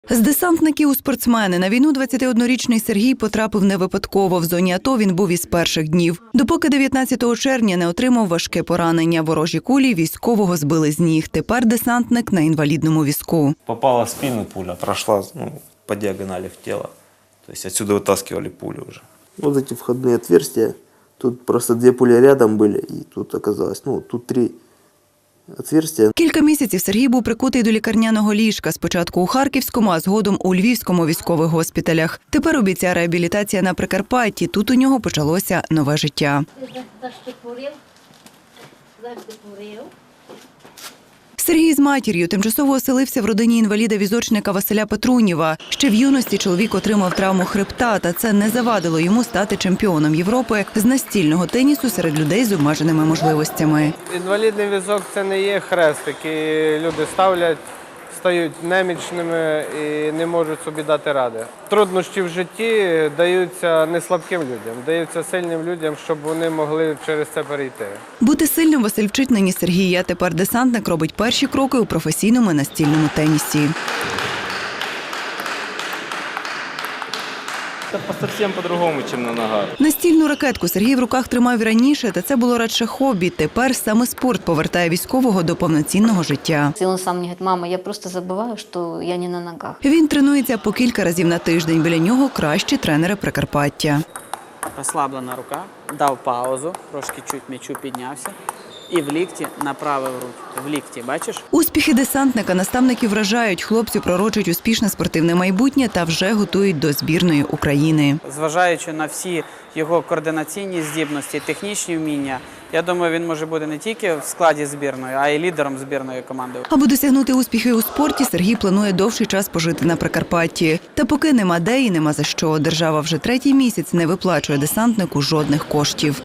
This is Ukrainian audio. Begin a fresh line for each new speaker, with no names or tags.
З десантників у спортсмени на війну 21-річний Сергій потрапив не випадково. В зоні АТО він був із перших днів. Допоки 19 червня не отримав важке поранення. Ворожі кулі військового збили з ніг. Тепер десантник на інвалідному візку.
Попала в спину пуля, прошла по диагонали в тело. То есть отсюда вытаскивали пулю уже.
Вот эти входные отверстия. Тут просто 2 пули рядом были, и тут оказалось, тут 3 отверстия.
Кілька місяців Сергій був прикутий до лікарняного ліжка. Спочатку у Харківському, а згодом у Львівському військових госпіталях. Тепер у бійця реабілітація на Прикарпатті. Тут у нього почалося нове життя. Сергій з матір'ю тимчасово оселився в родині інваліда-візочника Василя Петрунєва. Ще в юності чоловік отримав травму хребта, та це не завадило йому стати чемпіоном Європи з настільного тенісу серед людей з обмеженими можливостями.
Інвалідний візок – це не є хрест, який люди ставлять, стають немічними і не можуть собі дати ради. Труднощі в житті даються не слабким людям, даються сильним людям, щоб вони могли через це перейти.
Бути сильним Василь вчить нині Сергія. Тепер десантник робить перші кроки у професійному настільному тенісі.
Это совсем по-другому, чем на ногах.
Настільну ракетку Сергій в руках тримав і раніше, та це було радше хобі. Тепер саме спорт повертає військового до повноцінного життя.
И он сам мне говорит: мама, я просто забываю, что я не на ногах.
Він тренується по кілька разів на тиждень. Біля нього кращі тренери Прикарпаття.
Розслаблена рука, дав паузу, трошки чуть м'ячу піднявся. І в лікті направив руку. В лікті, бачиш?
Успіхи десантника наставники вражають. Хлопцю пророчать успішне спортивне майбутнє та вже готують до збірної України.
Зважаючи на всі його координаційні здібності, технічні вміння, я думаю, він може бути не тільки в складі збірної, а й лідером збірної команди.
Аби досягнути успіхів у спорті, Сергій планує довший час пожити на Прикарпатті. Та поки нема де і нема за що. Держава вже 3-й місяць не виплачує десантнику жодних коштів.